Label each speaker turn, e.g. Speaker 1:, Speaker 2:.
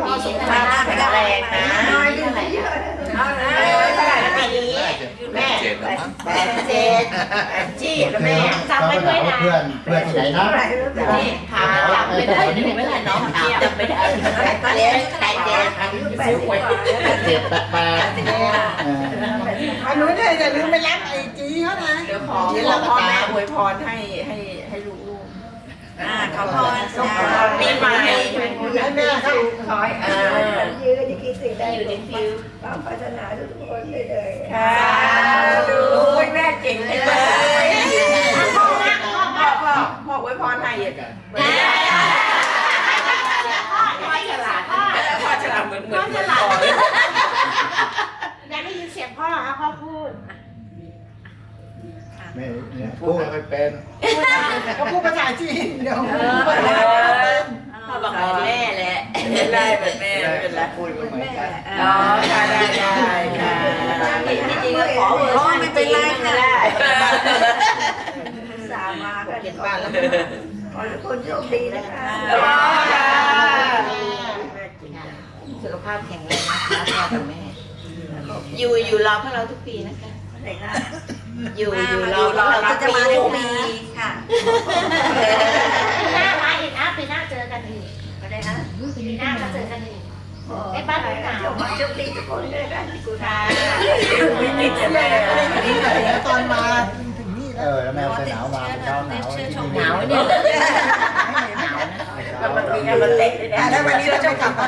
Speaker 1: ดีนะแข็งแรงนะเท่าไหร่เท่าไหร่ปีนี้แม่87จี้แล้วแม่จำไว้ด้วยนะ
Speaker 2: เพื่อนที่ไหนนะ
Speaker 1: นี่ถามจำไม่ได้นี่ไม่ได้น้องถามจำไม่ได้เจ๊
Speaker 2: 87
Speaker 3: หนูเนี่ยอย่าลืมไปรับไอจีเขานะ
Speaker 1: เดี๋ยวขอพ่อแม่อวยพรให้ลูก
Speaker 3: ขอพร
Speaker 1: ปีใหม่
Speaker 3: ให้แม่เขา
Speaker 1: ขอ
Speaker 4: ยืนจะคิดสิ่งใด
Speaker 1: อยู่ในฟิว
Speaker 4: ความปรารถนาทุกคนเลย
Speaker 1: ค่ะดูแม่เก่งเลยพ่ออวยพรให้พ่อฉลาดเหมือนพ่อฉลาด
Speaker 5: อยากได้ยินเสียงพ่อฮะพ่อพูด
Speaker 2: ไม่พูดไม่ค่อยเป็น
Speaker 3: เขาพูดภาษาจีนเดี๋ยว
Speaker 1: พ่อบอกเหมือนแม่แหละไม่ได้เหมือนแม่เป็นไร
Speaker 2: พูดไม่เหมือนกัน
Speaker 1: อ๋อค่ะได้ค่ะจริงๆก็ขอเวอร์ชันไม่เป็นไรค่ะ
Speaker 4: สามากัน
Speaker 1: เห็นบ้านแล้ว
Speaker 4: ขอทุกคนโชคดีนะคะ
Speaker 1: สุขภาพแข็งแรงนะคะพ่อกับแม่อยู่รอพวกเราทุกปีนะคะอยู่รอพวกเราจะมาทุกปีค่ะ
Speaker 5: ปีหน้ามาอีกนะปีหน้าเจอกันอีกอะไรนะปีหน้ามาเจอกันอีกไอ้บ้านหนาว
Speaker 4: โชคดีทุกคนเลยกันกุศล
Speaker 3: ตอนมาถึงนี่แล้ว
Speaker 2: แล้วแมวเสื้อหนาวมาเช้าหนาว
Speaker 1: หนาวเนี่ยหนาวนะมันมีงานมันเตะด้วยนะ
Speaker 3: แล้ววันนี้เราจะกลับมา